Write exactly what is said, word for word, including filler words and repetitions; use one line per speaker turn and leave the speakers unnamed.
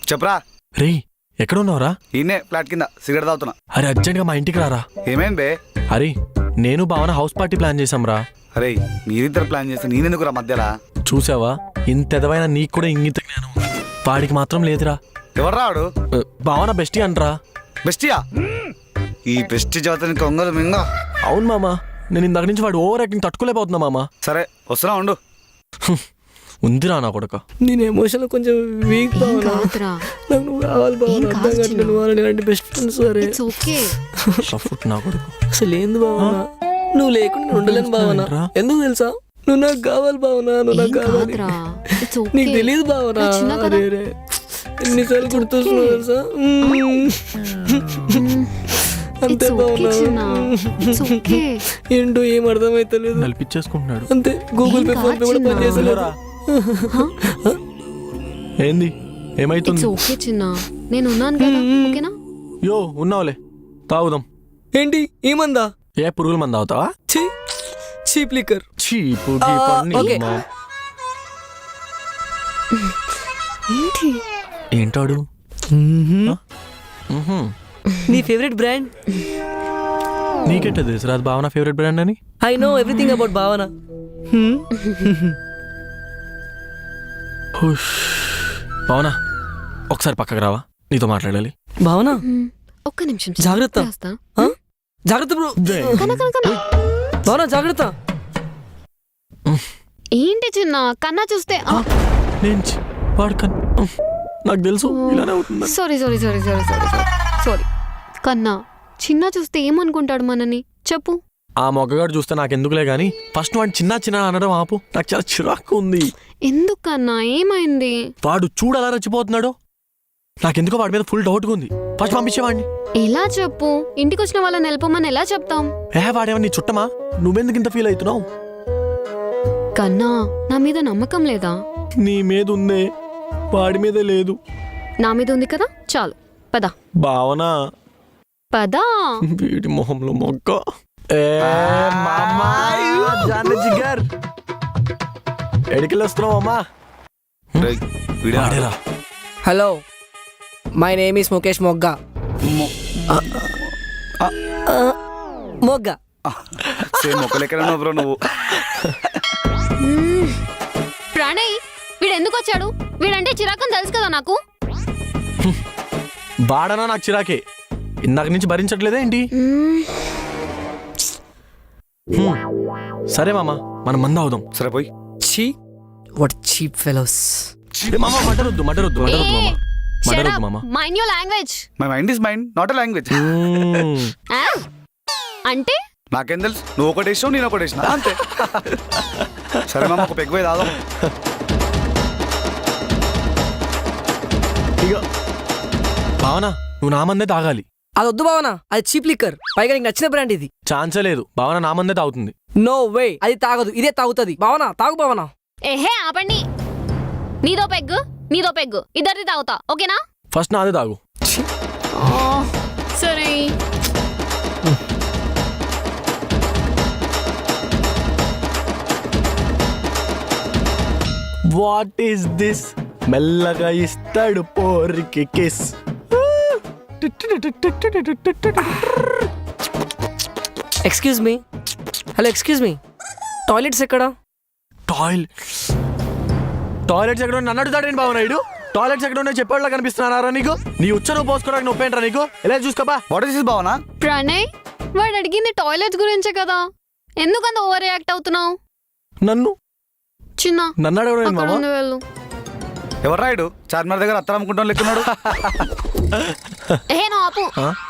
చెప్పరా.
రే ఎక్కడ ఉన్నావురా?
ఈయనే ఫ్లాట్ కింద సిగరెట్ తాగుతున్నా.
అరే అర్జెంట్ గా మా ఇంటికి రారా.
ఏమైంది బే?
అరే నేను భావన హౌస్ పార్టీ ప్లాన్ చేసాంరా.
అరే మీరిద్దరు ప్లాన్ చేస్తే నేనెందుకురా మధ్యలా?
చూసావా ఇంత ఎదవైనా నీకు కూడా ఇంగిత జ్ఞానం వాడికి మాత్రం లేదురా.
ఎవరు రాడు?
భావన బెస్టీ అంటరా.
బెస్టియా? ఈ బెస్టి జాతని కొంగలు మింగ.
అవును మామా, నేను ఇందాక నుంచి వాడు ఓవర్ యాక్టింగ్ తట్టుకోలేకపోతున్నా మామా.
సరే వస్తున్నా ఉండు.
ఉందిరా నా కొడుక.
నేను ఎమోషనల్ కొంచెం వీక్ బావనా. నాకు నువ్వు కావాలి బావనా. అర్థం కాదు నువ్వు అలాంటి బెస్ట్ ఫ్రెండ్స్. సరే
సఫుట్ నా కొడుకు.
అసలు ఏంది బావనా, నువ్వు లేకుండా నేను ఉండలేను బావనా. ఎందుకు తెలుసా? నువ్వు నాకు కావాలి బావనా, నువ్వు నాకు కావాలి. నీకు తెలియదు బావనా. అరే రే ఎన్నిసార్లు గుర్తొస్తున్నావు తెలుసా? అంతే బావనా. ఏంటో ఏం అర్థమైతలేదు.
నలిపించేసుకుంటున్నాడు
అంతే. గూగుల్ పే ఫోన్ పే కూడా పనిచేసలేరా.
ఏంది ఏమైతుంది?
ఓకే చిన్న, నేను ఉన్నాను కదా. ఓకేనా?
యో ఉన్నావులే, తాగుదాం.
ఏంటి ఏమందా?
ఏ పురుగుల మంది తాగుతావా?
చీ చీప్ లిక్కర్.
చీపు
ఓకే.
ఏంటి
ఏంటాడు?
నీ ఫేవరెట్ బ్రాండ్?
నీకెట్ట తెలుసు రాదు భావన ఫేవరెట్ బ్రాండ్ అని?
I know everything about Bhavana.
Bhavana ఒకసారి పక్కకు రావా, నీతో మాట్లాడాలి.
భావన
ఒక్క నిమిషం.
జాగ్రత్త. జాగ్రత్త బ్రో. భావన జాగ్రత్త.
ఏంటి చిన్న కన్నా చూస్తే
నేను వాడు కన్నా నాకు తెలుసు ఇలానే అవుతుంది.
Sorry sorry sorry sorry sorry sorry sorry కన్నా చిన్న చూస్తే ఏమనుకుంటాడు మనని చెప్పు.
ఆ మొగ్గగాడు చూస్తే నాకెందుకులే గానీ ఫస్ట్ వాడు చిన్న చిన్న అనడం ఆపు. నాకు చాలా చిరాకు ఉంది.
ఎందుకన్నా ఏమైంది?
వాడు చూడు అలా రచ్చిపోతున్నాడు. నాకెందుకో వాడి మీద ఫుల్ డౌట్గా ఉంది. ఫస్ట్ పంపించేవాడిని.
ఎలా చెప్పు? ఇంటికి వచ్చిన వాళ్ళని వెళ్ళిపోమని ఎలా చెప్తాం?
ఏ వాడేమని నీ చుట్టమా? నువ్వెందుకు ఇంత ఫీల్ అవుతున్నావు?
కన్నా నా మీద నమ్మకం లేదా?
నీ మీద ఉందే, వాడి మీదే లేదు.
నా మీద ఉంది కదా, చాలు పద.
భావన
పదా.
వీడి మొహంలో మొగ్గ. ఎడికెళ్ళి వస్తున్నావు అమ్మా?
Hello, my name is Mukesh Mogga. Mogga
bro నువ్వు.
ప్రణయ్ వీడు ఎందుకు వచ్చాడు? వీడంటే చిరాకని తెలుసు కదా నాకు.
వాడనా నాకు చిరాకే. ఇందాక నుంచి భరించట్లేదా ఏంటి? సరే మామా మనం మంద అవుదాం.
సరే పోయి.
చీ వాట్ చీప్ ఫెలోస్.
మామా మటరొద్దు మటరొద్దు మటరొద్దు మామా మటరొద్దు మామా.
Mind your language.
My mind is mind, not a language.
అంటే
నాకేం తెలుసు? నువ్వు ఒకటి వేసావు, నేను ఒకటి వేసిన అంతే. సరే మామ ఒక పెగ్గు తాదాం.
ఇక భావన నువ్వు నా మందే తాగాలి.
అది వద్దు భావన, అది చీప్ లిక్కర్. పైగా నీకు నచ్చిన బ్రాండ్ ఇది.
ఛాన్సే లేదు. భావన నా మందే తాగుతుంది.
నో వే, అది తాగదు, ఇదే తాగుతుంది. భావన తాగు భావన.
ఏహే ఆపండి. నీదో పెగ్గు నీదో పెగ్గు ఇద్దరిది తాగుతా, ఓకేనా?
ఫస్ట్ నాదే తాగు.
సరే.
What is this? మెల్లగా ఇస్తాడు పోరికి kiss.
Excuse me. Hello excuse me, toilets ఎక్కడ?
టాయిలెట్ టాయిలెట్స్ ఎక్కడ నన్ను అడుగుతాడేంటి బావ నాయుడు? టాయిలెట్స్ ఎక్కడ ఉన్నాయో చెప్పేలా కనిపిస్తున్నారా నీకు? నీ ఉచ్చను పోసుకోవడానికి నొప్పేంట్రా నీకు? ఎలా చూసుకోపా.
వాట్ ఇస్ దిస్ భావన?
ప్రణయ్ వాడు అడిగింది టాయిలెట్స్ గురించే కదా, ఎందుకంత ఓవర్ రియాక్ట్ అవుతున్నావు?
నన్ను
చిన్న
నన్ను అడగడం మామ.
వెళ్ళు.
ఎవరు రాయుడు? చార్మినార్ దగ్గర అత్తరం అనుకుంటాం లెక్కున్నాడు.
ఏ నా ఆపు.